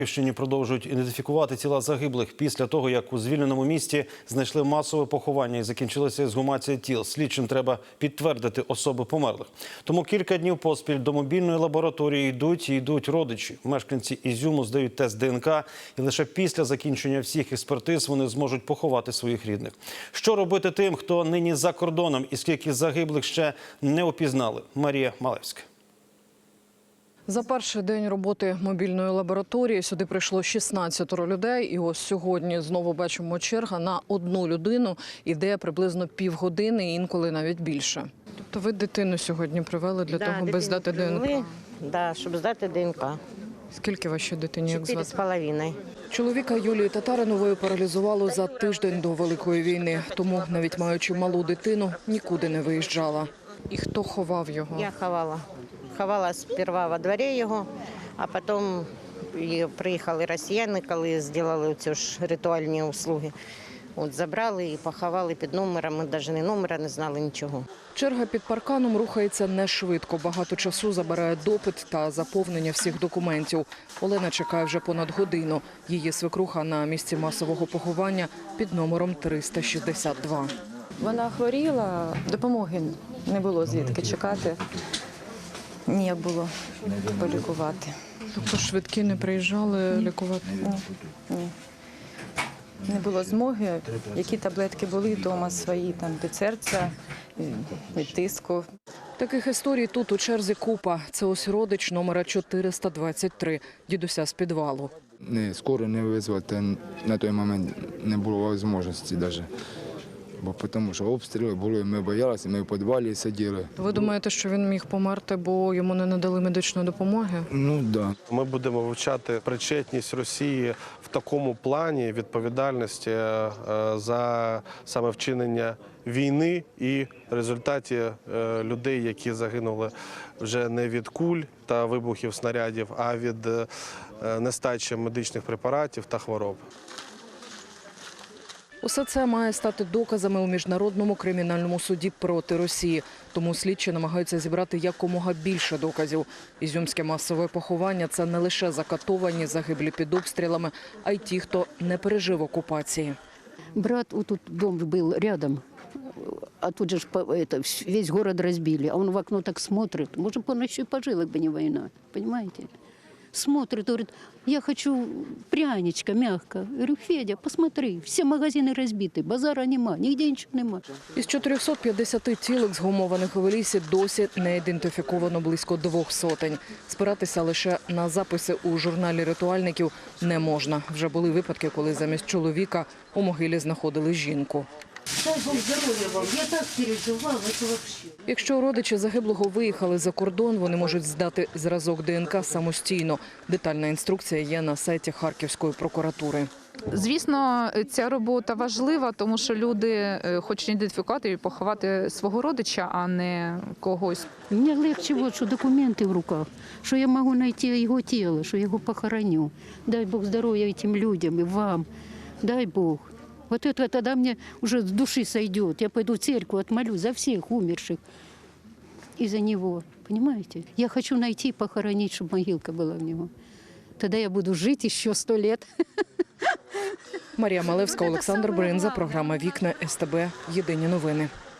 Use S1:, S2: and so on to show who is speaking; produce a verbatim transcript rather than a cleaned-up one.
S1: Київщині продовжують ідентифікувати тіла загиблих після того, як у звільненому місті знайшли масове поховання і закінчилася ексгумація тіл. Слідчим треба підтвердити особи померлих. Тому кілька днів поспіль до мобільної лабораторії йдуть і йдуть родичі. Мешканці Ізюму здають тест ДНК, і лише після закінчення всіх експертиз вони зможуть поховати своїх рідних. Що робити тим, хто нині за кордоном і скільки загиблих ще не опізнали? Марія Малевська.
S2: За перший день роботи мобільної лабораторії сюди прийшло шістнадцять людей. І ось сьогодні знову бачимо черга на одну людину. Іде приблизно півгодини, інколи навіть більше. Тобто ви дитину сьогодні привели для
S3: да,
S2: того, аби здати ДНК?
S3: Так, да, щоб здати ДНК.
S2: Скільки вашій дитині, як
S3: Чотири з
S2: звати?
S3: половиною.
S2: Чоловіка Юлії Татаринової паралізувало за тиждень до Великої війни. Тому, навіть маючи малу дитину, нікуди не виїжджала. І хто ховав його?
S3: Я ховала. Ховала сперва во дворі його, а потім приїхали росіяни, коли зробили ці ж ритуальні услуги. От забрали і поховали під номером, ми навіть не номера не знали нічого.
S2: Черга під парканом рухається не швидко. Багато часу забирає допит та заповнення всіх документів. Олена чекає вже понад годину. Її свекруха на місці масового поховання під номером триста шістдесят два.
S4: Вона хворіла, допомоги не було звідки чекати. Ніяк було полікувати.
S2: Тобто швидкі не приїжджали лікувати?
S4: Ні, ні. Не було змоги. Які таблетки були вдома свої, там від серця, від тиску.
S2: Таких історій тут у черзі купа. Це ось родич номера чотириста двадцять три, дідуся з підвалу.
S5: Не, скоро не визвати на той момент не було можливості навіть. Бо тому що обстріли були, ми боялися, ми в підвалі сиділи.
S2: Ви думаєте, що він міг померти, бо йому не надали медичної допомоги?
S5: Ну, так. Да.
S6: Ми будемо вивчати причетність Росії в такому плані відповідальності за саме вчинення війни і в результаті людей, які загинули вже не від куль та вибухів снарядів, а від нестачі медичних препаратів та хвороб.
S2: Усе це має стати доказами у Міжнародному кримінальному суді проти Росії. Тому слідчі намагаються зібрати якомога більше доказів. Ізюмське масове поховання – це не лише закатовані, загиблі під обстрілами, а й ті, хто не пережив окупації.
S7: Брат, вот тут дом был рядом, а тут же ж это, весь город разбили, а он в окно так смотрит. Может, он еще и пожил, бы не война, понимаете? Смотрит, говорит, я хочу пряничка, мягко. Я говорю, Федя, посмотри, все магазины разбиты, базара нема, нигде ничего нема.
S2: Із чотирьохсот п'ятдесяти тіл, ексгумованих у лісі, досі не ідентифіковано близько двох сотень. Спиратися лише на записи у журналі ритуальників не можна. Вже були випадки, коли замість чоловіка у могилі знаходили жінку.
S7: Дай Бог здоров'я вам, я так переживала, це вообще.
S2: Якщо родичі загиблого виїхали за кордон, вони можуть здати зразок ДНК самостійно. Детальна інструкція є на сайті Харківської прокуратури.
S8: Звісно, ця робота важлива, тому що люди хочуть ідентифікувати і поховати свого родича, а не когось.
S7: Мені легше, вот, що документи в руках, що я можу знайти його тіло, що його похороню. Дай Бог здоров'я цим людям і вам, дай Бог. Вот это тогда мне уже с души сойдет. Я пойду в церковь, отмолюсь за всех умерших и за него. Понимаете? Я хочу найти и похоронить, чтобы могилка была в него. Тогда я буду жить еще сто лет.
S2: Марія Малевська, Олександр Бринза, програма «Вікна СТБ». Єдині новини.